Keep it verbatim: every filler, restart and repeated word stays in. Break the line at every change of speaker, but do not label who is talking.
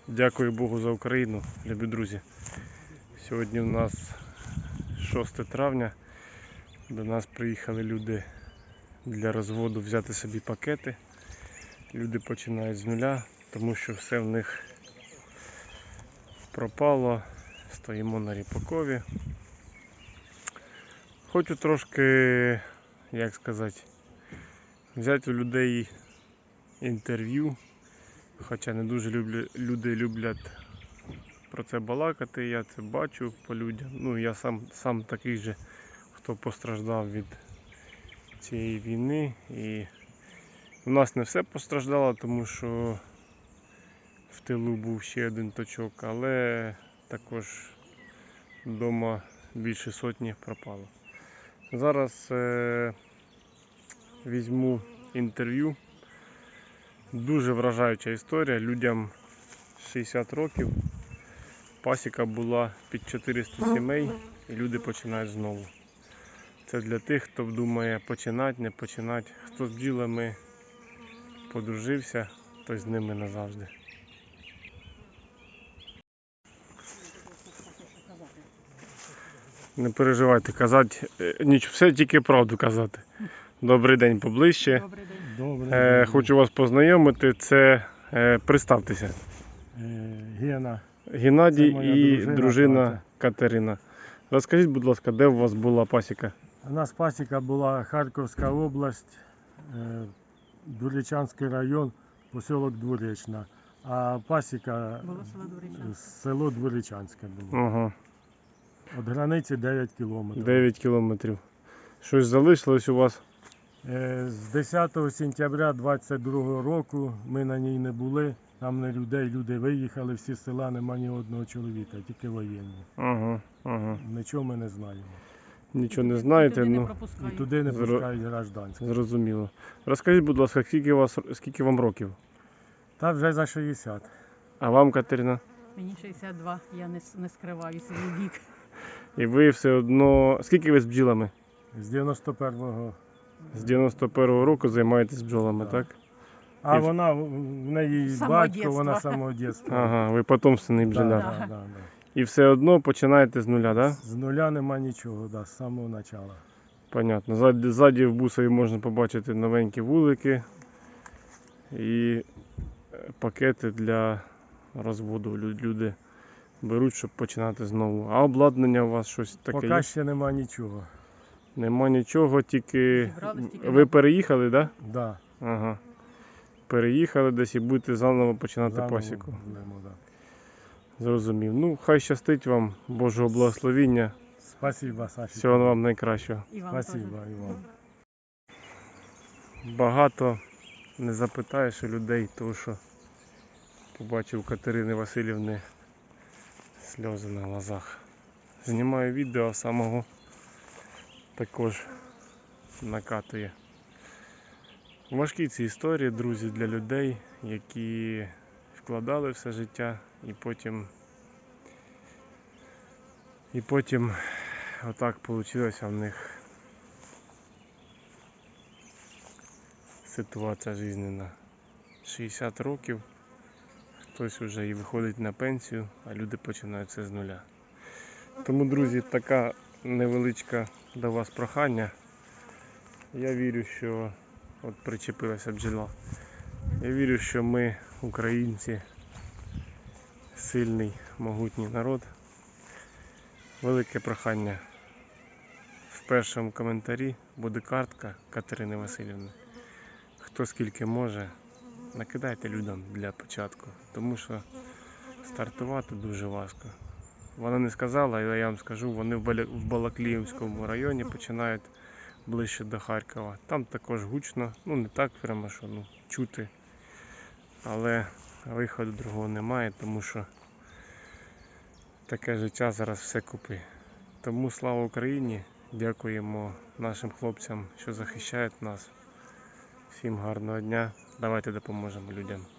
Дякую Богу за Україну, любі друзі. Сьогодні у нас шосте травня. До нас приїхали люди для розводу взяти собі пакети. Люди починають з нуля, тому що все в них пропало. Стоїмо на Ріпакові. Хочу трошки, як сказати, взяти у людей інтерв'ю. Хоча не дуже люблю, люди люблять про це балакати, я це бачу по людям. Ну, я сам, сам такий же, хто постраждав від цієї війни. І у нас не все постраждало, тому що в тилу був ще один точок, але також вдома більше сотні пропало. Зараз е- візьму інтерв'ю. Дуже вражаюча історія. Людям шістдесят років, пасіка була під чотириста сімей і люди починають знову. Це для тих, хто думає починати, не починати. Хто з бджілами подружився, той з ними назавжди. Не переживайте, казати, ніч, все тільки правду казати. Добрий день поближче.
Добрий день.
Добре.
Е, хочу вас познайомити. Це, е, представтеся.
Е, Гена.
Геннадій
Це моя
і
дружина
дружина
Катя.
Катерина. Розкажіть, будь ласка, де у вас була пасіка?
У нас пасіка була Харківська область, е, Дворічанський район, поселок Дворічна. А пасіка
Було село Дворічанське.
е, село Дворічанське було.
Ага,
Від границі дев'ять кілометрів.
дев'ять кілометрів. Щось залишилось у вас?
Е, З десятого сентября двадцять другого року ми на ній не були. Там не людей, люди виїхали, всі з села, нема ні одного чоловіка, тільки воєнні.
Ага, ага.
Нічого ми не знаємо.
Нічого не знаєте,
Туди не
ну
І
пропускають.
туди не
Зро-
пускають гражданських.
зрозуміло. Розкажіть, будь ласка, скільки, у вас, скільки вам років?
Та вже за шістдесят.
А вам, Катерина?
Мені шістдесят два, я не, с- не скриваю свій вік.
І ви все одно... Скільки ви з бджілами?
З дев'яносто першого.
З дев'яносто першого року займаєтесь бджолами,
Так.
так?
А
І-
вона, в неї
З самого
батько,
дєтства.
вона з самого дитинства.
Ага, ви потомственний
Да,
бджоляр.
да,
Да.
да, да.
І все одно починаєте з нуля, так? Да?
З нуля нема нічого, да, з самого початку.
Понятно. Ззаді, ззаді в бусові можна побачити новенькі вулики і е, пакети для розводу. Лю- Люди беруть, щоб починати знову. А обладнання у вас щось таке
Поки
є?
ще нема нічого.
Нема нічого, тільки
Зібрались тільки
ви
на-
переїхали, так? Да?
Да,
Ага. Переїхали десь і будете заново починати
заново
пасіку.
будемо, да.
Зрозумів. Ну, хай щастить вам, Божого благословіння.
Спасибо, Саші.
Всього вам найкращого.
І вам теж.
Спасибо, Іван.
Багато не запитаєш у людей, тому що побачив Катерини Васильівни сльози на глазах. Знімаю відео, самого також накатує. Важкі ці історії, друзі, для людей, які вкладали все життя і потім і потім отак вийшло в них ситуація жизненна. шістдесят років, хтось вже і виходить на пенсію, а люди починають все з нуля. Тому, друзі, така невеличка до вас прохання. Я вірю, що от причепилася бджола. Я вірю, що ми, українці, сильний, могутній народ. Велике прохання. В першому коментарі буде картка Катерини Васильівни. Хто скільки може, накидайте людям для початку, тому що стартувати дуже важко. Вона не сказала, але я вам скажу, вони в Бала- в Балакліївському районі починають ближче до Харкова. Там також гучно, ну не так прямо, що ну, чути, але виходу другого немає, тому що таке життя зараз все купи. Тому слава Україні, дякуємо нашим хлопцям, що захищають нас. Всім гарного дня, давайте допоможемо людям.